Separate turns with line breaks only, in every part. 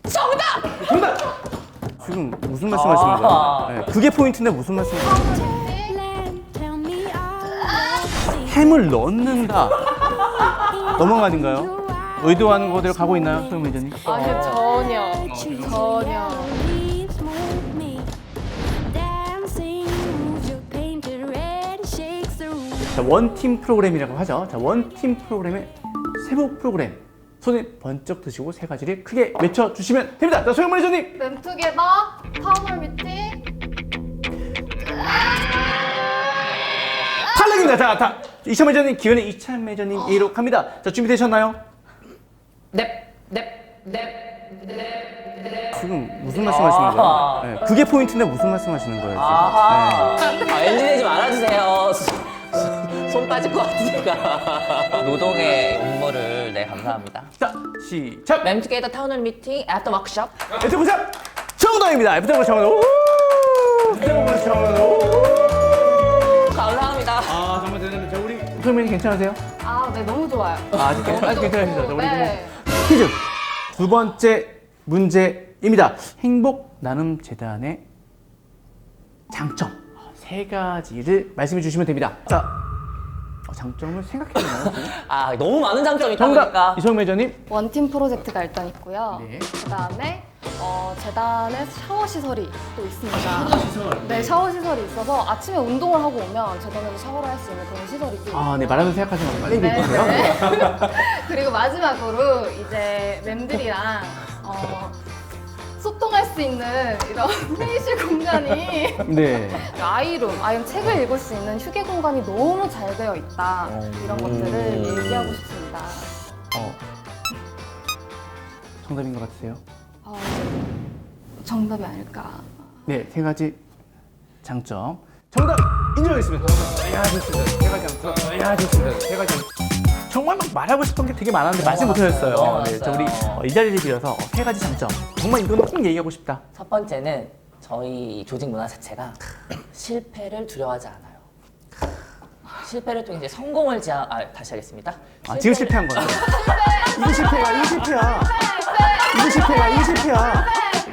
정답!
정답! 지금 무슨 말씀하시는 거예요? 네, 그게 포인트인데 무슨 말씀이세요? 햄을 넣는다. 넘어간 거 아닌가요? 의도하는 거대로 가고 있나요, 소영 매니저님?
아니요, 전혀.
자, 원팀 프로그램이라고 하죠. 자, 원팀 프로그램의 세부 프로그램. 손에 번쩍 드시고 세 가지를 크게 외쳐주시면 됩니다. 자, 소영 매니저님!
램투게더, 타운홀 미팅.
탈락입니다. 자, 이찬 매니저님, 기현의 이찬 매니저님 A로 갑니다. 자, 준비되셨나요?
넵.
지금 무슨 말씀하시는 거예요? 네, 그게 포인트인데 무슨 말씀하시는 거예요, 지금?
아하. 엔진내지 말아주세요. 손 빠질 것 같으니까. 노동의 음모를 네 감사합니다.
자, 시작!
램투게더 타운홀 미팅 애프터 워크숍.
애프터 보자! 정답입니다. 애프터 보자 정답. 애프터 보자 정답.
감사합니다.
아, 정말 대단합니다. 자, 우리 소영맨이 괜찮으세요?
아, 네, 너무 좋아요.
아직 괜찮으시죠? 자, 우리
네.
퀴즈 두 번째 문제입니다. 행복 나눔 재단의 장점 세 가지를 말씀해 주시면 됩니다. 자, 장점을 생각해 보나요?
아 너무 많은 장점이 있다
정답
보니까.
이소영 매니저님.
원팀 프로젝트가 일단 있고요.
네.
그다음에 재단에 샤워 시설이 또 있습니다.
샤워 시설.
네, 샤워 시설이 있어서 아침에 운동을 하고 오면 재단에서 샤워를 할 수 있는 그런 시설이 또
아, 네,
있고요.
말하면서 생각하지 말고 빨리
네,
얘기해 주세요.
네. 그리고 마지막으로 이제 멤들이랑 소통할 수 있는 이런 회의실 공간이
네.
아이룸, 책을 읽을 수 있는 휴게 공간이 너무 잘 되어 있다. 이런 것들을 얘기하고 싶습니다.
정답인 것 같으세요?
정답이 아닐까.
네, 세 가지 장점. 정답 인정하겠습니다. 야, 좋습니다. 세 가지 장점. 야, 좋습니다. 세 가지 장점. 정말 막 말하고 싶은 게 되게 많았는데 말씀 못하셨어요. 네, 자, 우리 이 자리를 빌어서 세 가지 장점. 정말 이거는 꼭 얘기하고 싶다.
첫 번째는 저희 조직 문화 자체가 실패를 두려워하지 않아요. 실패를 통해 이제 성공을 다시 하겠습니다.
지금 실패한 거죠. 이거 실패야, 이거 실패야. 이거 실패야, 이거 실패야.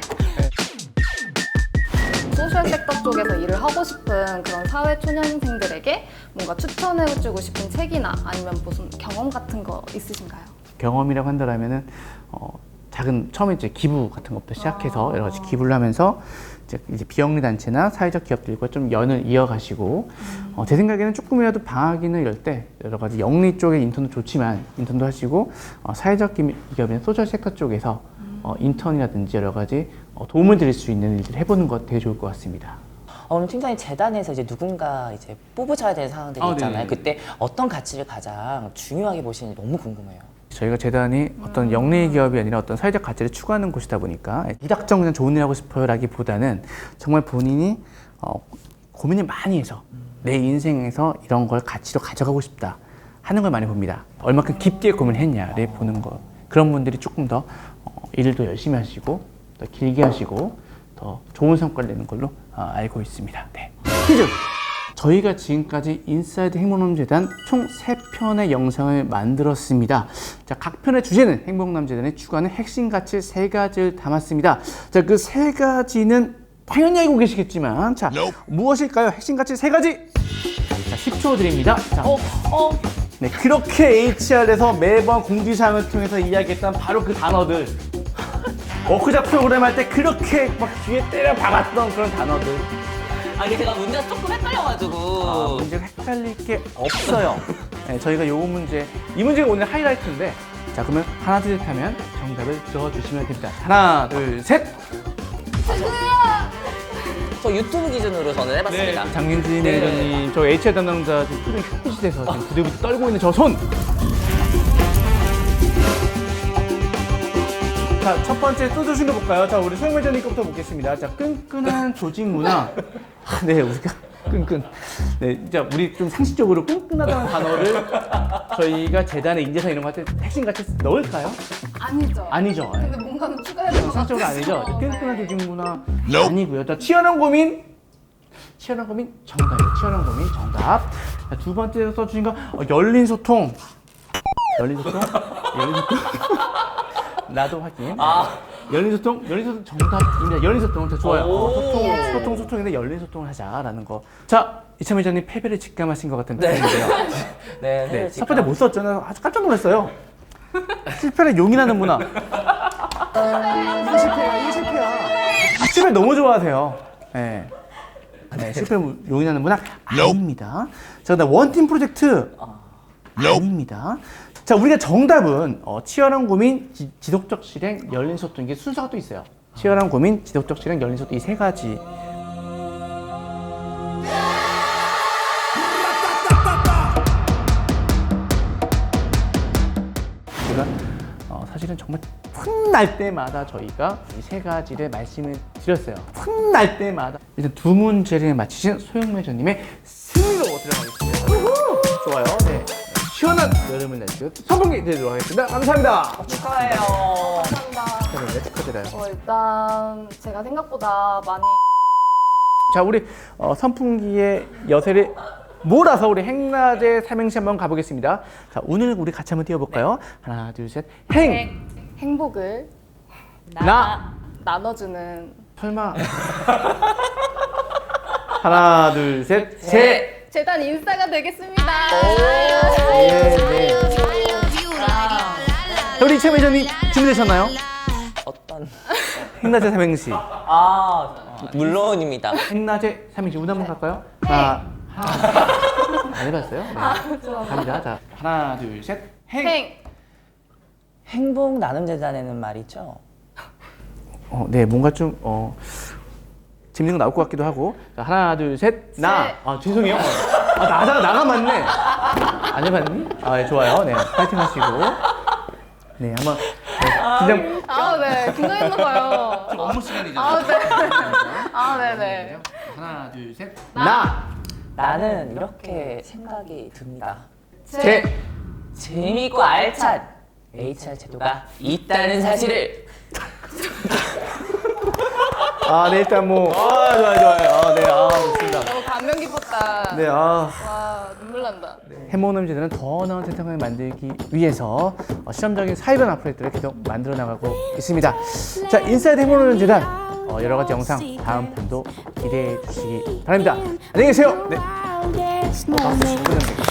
소셜 섹터 쪽에서 일을 하고 싶은 그런 사회 초년생들에게 뭔가 추천해주고 싶은 책이나 아니면 무슨 경험 같은 거 있으신가요?
경험이라고 한다면은 작은 처음에 이제 기부 같은 것부터 시작해서 여러 가지 기부를 하면서 이제 비영리 단체나 사회적 기업들과 좀 연을 이어가시고 제 생각에는 조금이라도 방학이나 이럴 때 여러 가지 영리 쪽의 인턴도 좋지만 인턴도 하시고 사회적 기업이나 소셜 섹터 쪽에서 인턴이라든지 여러 가지 도움을 드릴 수 있는 일들을 해보는 것 되게 좋을 것 같습니다.
오늘 팀장님 재단에서 이제 누군가 이제 뽑으셔야 되는 상황들이 있잖아요.
네네.
그때 어떤 가치를 가장 중요하게 보시는지 너무 궁금해요.
저희가 재단이 어떤 영리 기업이 아니라 어떤 사회적 가치를 추구하는 곳이다 보니까 무작정 그냥 좋은 일 하고 싶어요 라기보다는 정말 본인이 고민을 많이 해서 내 인생에서 이런 걸 가치로 가져가고 싶다 하는 걸 많이 봅니다. 얼마큼 깊게 고민했냐를 보는 거. 그런 분들이 조금 더 일을 더 열심히 하시고 더 길게 하시고 더 좋은 성과를 내는 걸로 알고 있습니다. 네. 퀴즈! 저희가 지금까지 인사이드 행복남재단 총 3편의 영상을 만들었습니다. 자, 각 편의 주제는 행복남재단이 추구하는 핵심 가치 3가지를 담았습니다. 자, 그 3가지는 당연히 알고 계시겠지만, 자, 무엇일까요? 핵심 가치 3가지! 자, 10초 드립니다. 자, 네, 그렇게 HR에서 매번 공지사항을 통해서 이야기했던 바로 그 단어들. 워크샵 프로그램 할 때 그렇게 막 귀에 때려 박았던 그런 단어들.
아니 제가 문제가 조금 헷갈려가지고.
문제가 헷갈릴 게 없어요. 네, 저희가 요 문제, 이 문제가 오늘 하이라이트인데, 자, 그러면 하나, 둘, 셋 하면 정답을 적어주시면 됩니다. 하나, 둘, 셋!
저 유튜브 기준으로 저는 해봤습니다.
장윤지 매니저님, 저 HR 담당자 지금 표정이 흉부시돼서 지금 부들부들 떨고 있는 저 손! 자, 첫 번째 또 주신 거 볼까요? 자, 우리 소영 매니저님 거부터 보겠습니다. 자, 끈끈한 조직 문화. 네, 우리가 끈끈. 네, 진짜 우리 좀 상식적으로 끈끈하다는 단어를 저희가 재단에 인재상 이런 거 할 때 핵심 같이 넣을까요?
아니죠.
아니죠. 네.
근데 뭔가는 추가해야 될것
상식적으로
같아서.
아니죠. 끈끈한 조직 문화 아니고요. 자, 치열한 고민. 치열한 고민 정답이에요. 치열한 고민 정답. 자, 두 번째 써주신 거 열린 소통. 열린 소통? 열린 소통? 나도 확인. 열린 소통 정답입니다. 열린 소통 자, 좋아요.
오.
소통인데 열린 소통을 하자라는 거. 자, 이참 회장님 패배를 직감하신 것 같은
네.
느낌인데요.
네,
네, 첫 번째 못 썼잖아요. 아주 깜짝 놀랐어요. 실패를 용인하는 문화. 이게 실패야. 실패 너무 좋아하세요. 네. 네, 실패를 용인하는 문화 아닙니다. 자, 그다음 원팀 프로젝트 아닙니다. 자, 우리가 정답은 치열한 고민, 지속적 실행, 열린 소통 이게 순서가 또 있어요. 치열한 고민, 지속적 실행, 열린 소통 이 세 가지. 제가 사실은 정말 훗날 때마다 저희가 이 세 가지를 말씀을 드렸어요. 훗날 때마다 일단 두 문제를 맞히신 소영 매저님의 승리로 들어가겠습니다. 좋아요. 네. 시원한 여름을 날씨로 선풍기 드리도록 하겠습니다. 감사합니다.
축하해요.
감사합니다.
네, 축하드려요.
일단 제가 생각보다 많이
자, 우리 선풍기의 여세를 몰아서 우리 행라제 삼행시 한번 가보겠습니다. 자, 오늘 우리 같이 한번 뛰어볼까요? 하나, 둘, 셋, 행!
행복을 나눠주는
설마. 하나, 둘, 셋, 제!
재단 인싸가 되겠습니다.
네, 네. 우리 이참 회장님 준비되셨나요?
어떤?
행라제 삼행시.
물론입니다.
행라제 삼행시 운 한번 갈까요? 하나. 안 해봤어요? 네. 갑니다. 자, 하나, 둘, 셋, 행!
행복 나눔 재단에는 말이죠.
네, 뭔가 좀 재밌는 거 나올 것 같기도 하고. 자, 하나, 둘, 셋, 나. 죄송해요. 나가 맞네. 안 해봤니? 네, 좋아요. 네, 파이팅 하시고. 네, 한번 긴장.
네, 긴장했나봐요.
지금 업무 시간이잖아요.
네. 네네.
하나, 둘, 셋, 나.
나는 이렇게 생각이 듭니다.
제.
재미있고 알찬 HR 제도가 있다는 사실을.
네, 일단 뭐. 좋아요. 네, 좋습니다.
너무 감명 깊었다.
네,
와, 눈물 난다.
해모놈 제도는 더 나은 세상을 만들기 위해서 실험적인 사회변화 프로젝트를 계속 만들어 나가고 있습니다. 자, 인사이드 해모놈 재단 여러 가지 영상 다음 편도 기대해 주시기 바랍니다. 안녕히 계세요. 네. 박수 10분